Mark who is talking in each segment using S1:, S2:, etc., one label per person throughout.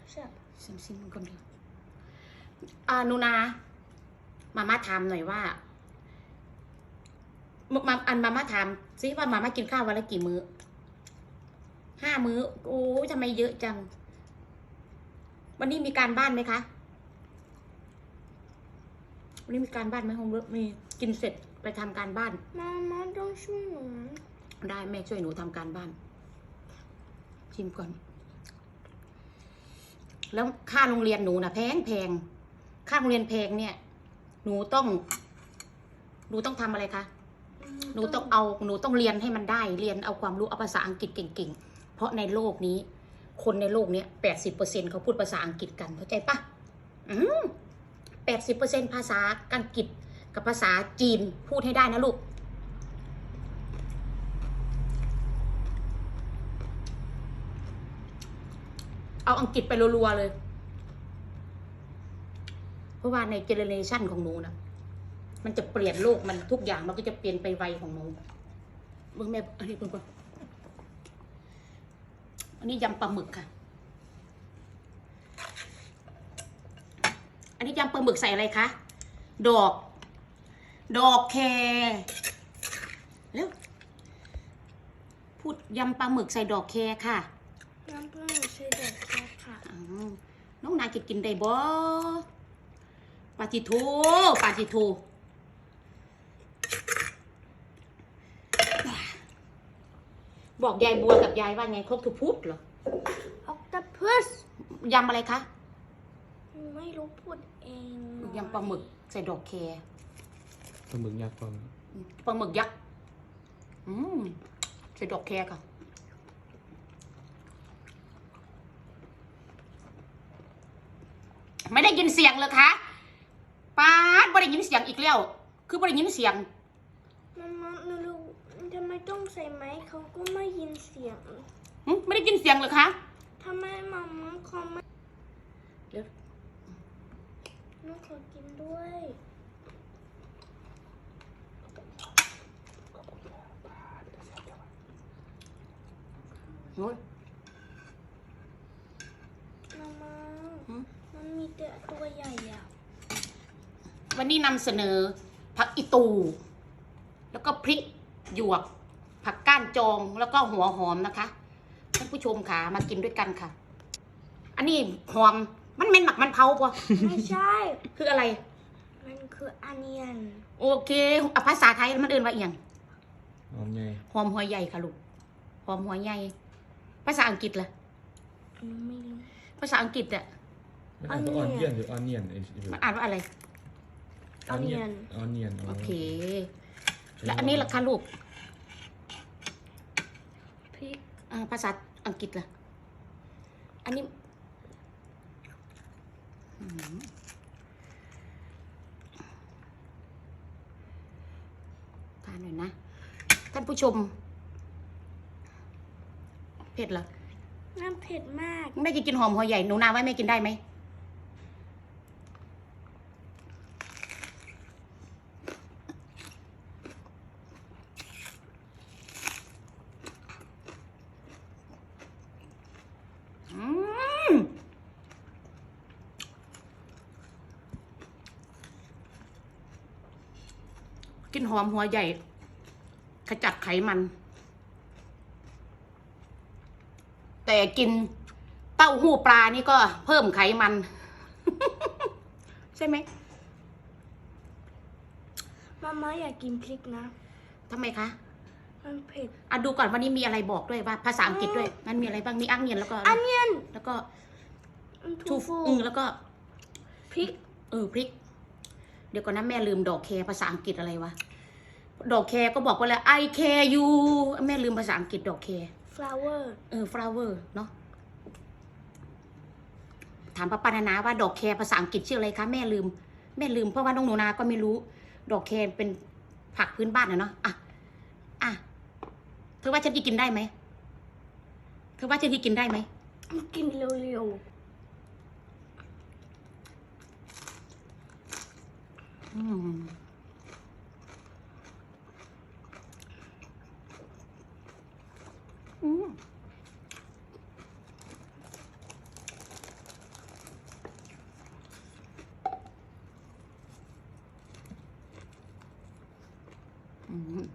S1: ซิมคนเดียวนูนามาม่าถามหน่อยว่ามาม่าถามซิว่ามาม่ากินข้าววันละกี่มื้อ5 มื้อโอ้ทำไมเยอะจังวันนี้มีการบ้านไหมคะวันนี้มีการบ้านไหมโฮมเวิร์กมีกินเสร็จไปทำการบ้าน
S2: มาต้องช่วยหนู
S1: ได้แม่ช่วยหนูทำการบ้านชิมก่อนแล้วค่าโรงเรียนหนูนะแพงค่าโรงเรียนแพงเนี่ยหนูต้องทำอะไรคะหนูต้องเรียนให้มันได้เรียนเอาความรู้เอาภาษาอังกฤษเก่งๆเพราะในโลกนี้คนในโลกนี้80%เขาพูดภาษาอังกฤษกันเข้าใจปะ80%ภาษาอังกฤษกับภาษาจีนพูดให้ได้นะลูกเอาอังกฤษไปรัวๆเลยเพราะว่าในเจเนอเรชันของหนูนะมันจะเปลี่ยนโลกมันทุกอย่างมันก็จะเปลี่ยนไปไวของหนูเบิ่งแม่อันนี้ก่อนอันนี้ยำปลาหมึกค่ะอันนี้ยำปลาหมึกใส่อะไรคะดอกแคแล้วพูดยำปลาหมึกใส่ดอกแคค่ะ
S2: ยำปลาหมึกใส่ดอกแคค่ะ
S1: น้องนายจะกินได้บ่ปาจิโถบอกยายบัวกับยายว่าไงครบทุกพุธเหรอ
S2: ออกตาพุส
S1: ยำอะไรคะ
S2: ไม่รู้พูดเอง
S1: ยำปลาหมึกใส่ดอกแค
S3: ปลาหมึกยักษ์
S1: ปลาหมึกยักษ์ใส่ดอกแคค่ะไม่ได้ยินเสียงเลยคะป้าไม่ได้ยินเสียงอีกแล้วคือไม่ได้ยินเสียง
S2: มารู้ทำไมต้องใส่ไม้เขาก็ไม่ยินเสียง
S1: ไม่ได้ยินเสียงเลยคะ
S2: ทำไมมาเขาไม่
S1: เดี๋ยว
S2: น้องขอกินด้วย
S1: โอ้ย
S2: มามันมีแต่ตัวใหญ่อะ
S1: วันนี้นำเสนอผักอีตูแล้วก็พริกหยวกผักก้านจองแล้วก็หัวหอมนะคะท่านผู้ชมค่ะมากินด้วยกันค่ะอันนี้หอมมันเป็นหมักมันเผาปะ
S2: ไม่ใช่
S1: คืออะไร
S2: มันคืออันเนียน
S1: โอเคภาษาไทยมันเอื่นว่าเอียง
S3: หอมใหญ่
S1: หอมหัวใหญ่ค่ะลูกหอมหัวใหญ่ภาษาอังกฤษล่ะ
S2: ไม่รู้
S1: ภาษาอังกฤษอะ
S3: อ่านว่าออนเนียนหรือออนเนียน
S1: มันอ่านว่าอะไร
S2: ออนเนียน
S1: โอเคแล้วอันนี้ล่ะคะลูก
S2: พริก
S1: ภาษาอังกฤษล่ะอันนี้ทานหน่อยนะท่านผู้ชมเผ็ดเหรอ
S2: น้ำเผ็ดมาก
S1: แม่กินหอมหัวใหญ่หนูนาไว้แม่กินได้ไหมกินหอมหัวใหญ่ขจัดไขมันแต่กินเต้าหู้ปลานี่ก็เพิ่มไขมันใช่ไหม
S2: มาอยากกินพริกนะ
S1: ทำไมคะ
S2: มันเผ็ด
S1: ดูก่อนวันนี้มีอะไรบอกด้วยว่าภาษาอังกฤษด้วยมันมีอะไรบ้างมีอังเนียนแล้วก็
S2: อันเนียน
S1: แล้วก็
S2: ทูฟู
S1: แล้วก็
S2: พริก
S1: พริกเดี๋ยวก่อนนะแม่ลืมดอกแคภาษาอังกฤษอะไรวะดอกแคก็บอกว่าอะไร I care you แม่ลืมภาษาอังกฤษดอกแค
S2: flower
S1: flower เนาะถามป้าปานานาว่าดอกแคภาษาอังกฤษชื่ออะไรคะแม่ลืมเพราะว่าน้องหนูนาก็ไม่รู้ดอกแคเป็นผักพื้นบ้านเนาะเธอว่าฉันกินได้ไหมเธอว่าฉันกินได้ไหม
S2: กินเร็ว
S1: อืม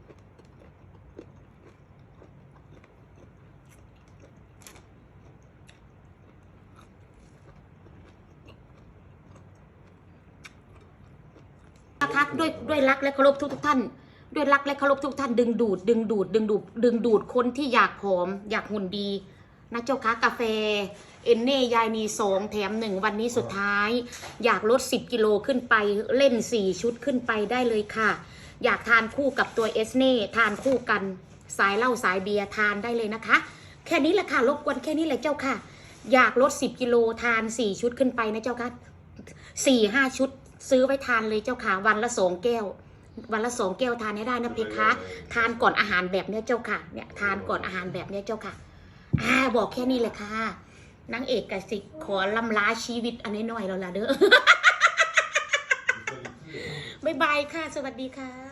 S1: นะคะด้วยรักและเคารพทุกท่าน ด้วยรักและเคารพทุกท่านดึงดูดคนที่อยากผอมอยากหุ่นดีนะเจ้าคะกาแฟเอนเน่ยายนี2 แถม 1วันนี้สุดท้าย อยากลด10 กิโลขึ้นไปเล่น4 ชุดขึ้นไปได้เลยค่ะ อยากทานคู่กับตัวเอสเน่ทานคู่กันสายเหล้าสายเบียร์ทานได้เลยนะคะ แค่นี้แหละค่ะรบกวนแค่นี้เลยเจ้าค่ะ อยากลด10 กิโลทาน4 ชุดขึ้นไปนะเจ้าค่ะ4-5 ชุดซื้อไว้ทานเลยเจ้าค่ะวันละ2 แก้ว วันละ2 แก้วทานให้ได้นะเพคะทานก่อนอาหารแบบเนี้ยเจ้าค่ะเนี่ยทานก่อนอาหารแบบเนี้ยเจ้าค่ะบอกแค่นี้เลยค่ะนางเอกกสิขอลำลาชีวิตอันน้อยๆแล้วล่ะเด้อ บ๊ายบายค่ะสวัสดีค่ะ